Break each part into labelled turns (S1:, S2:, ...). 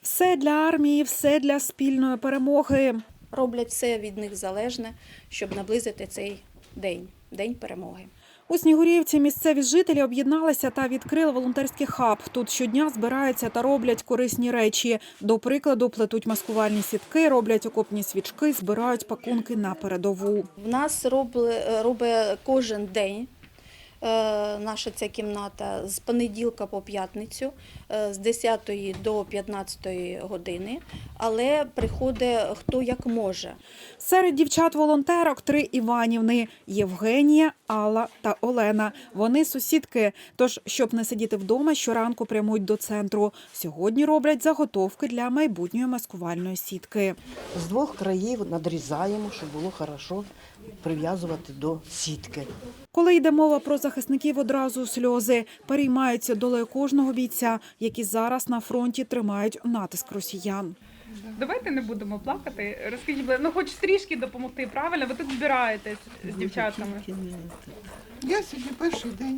S1: Все для армії, все для спільної перемоги.
S2: Роблять все від них залежне, щоб наблизити цей день перемоги.
S1: У Снігурівці місцеві жителі об'єдналися та відкрили волонтерський хаб. Тут щодня збираються та роблять корисні речі. До прикладу, плетуть маскувальні сітки, роблять окопні свічки, збирають пакунки на передову.
S2: В нас робить кожен день наша ця кімната з понеділка по п'ятницю, з 10 до 15 години, але приходить хто як може.
S1: Серед дівчат-волонтерок 3 Іванівни – Євгенія, Алла та Олена. Вони сусідки, тож, щоб не сидіти вдома, щоранку прямують до центру. Сьогодні роблять заготовки для майбутньої маскувальної сітки.
S3: З двох країв надрізаємо, щоб було добре прив'язувати до сітки.
S1: Коли йде мова про захисників, одразу сльози. Переймаються долею кожного бійця, які зараз на фронті тримають натиск росіян.
S4: Давайте не будемо плакати. Розкажіть, хоч трішки допомогти, правильно? Ви тут збираєтесь з дівчатами.
S5: Я сьогодні перший день.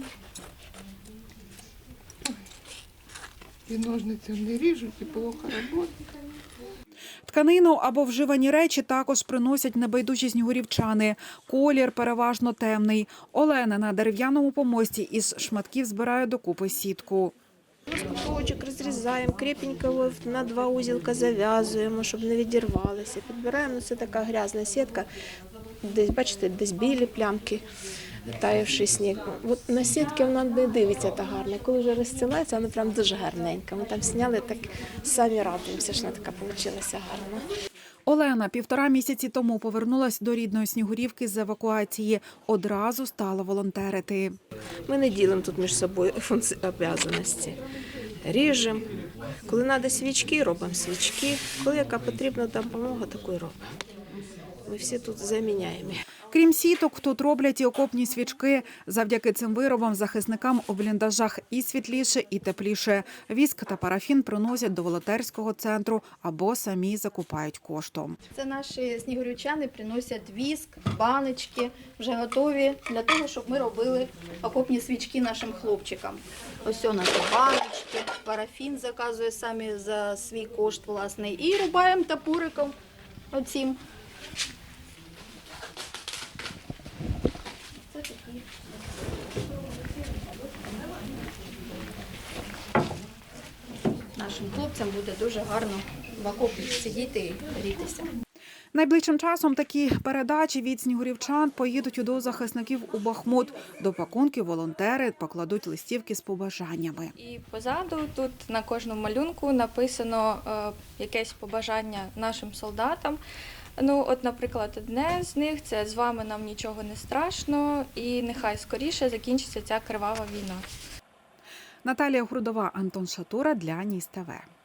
S5: І ножницями не ріжуть, і плохо роботи.
S1: Тканину або вживані речі також приносять небайдужі снігурівчани. Колір переважно темний. Олена на дерев'яному помості із шматків збирає докупи сітку.
S6: Шматочок розрізаємо, крепенько його на 2 узілка зав'язуємо, щоб не відірвалося. Підбираємо, це така грязна сітка, десь, бачите, десь білі плямки, таявший сніг. От на сітки вона не дивиться так гарно. Коли вже розстилається, вона прям дуже гарненька. Ми там зняли, так самі радуємося, що вона така вийшла гарна.
S1: Олена 1,5 місяці тому повернулась до рідної Снігурівки з евакуації. Одразу стала волонтерити.
S6: Ми не ділимо тут між собою обов'язаності. Ріжемо. Коли треба свічки, робимо свічки. Коли яка потрібна допомога, таку й робимо. Ми всі тут заміняємо.
S1: Крім сіток, тут роблять і окопні свічки. Завдяки цим виробам захисникам у бліндажах і світліше, і тепліше. Віск та парафін приносять до волонтерського центру або самі закупають коштом.
S2: Це наші снігурівчани приносять віск, баночки, вже готові для того, щоб ми робили окопні свічки нашим хлопчикам. Ось наші баночки, парафін заказує самі за свій кошт власний. І рубаємо топориком оцім. Нашим хлопцям буде дуже гарно в окопі сидіти і грітися.
S1: Найближчим часом такі передачі від снігурівчан поїдуть до захисників у Бахмут. До пакунків волонтери покладуть листівки з побажаннями.
S7: І позаду тут на кожному малюнку написано якесь побажання нашим солдатам. От, наприклад, одне з них – це «З вами нам нічого не страшно» і «Нехай скоріше закінчиться ця кривава війна».
S1: Наталія Грудова, Антон Шатура для Ніс ТВ.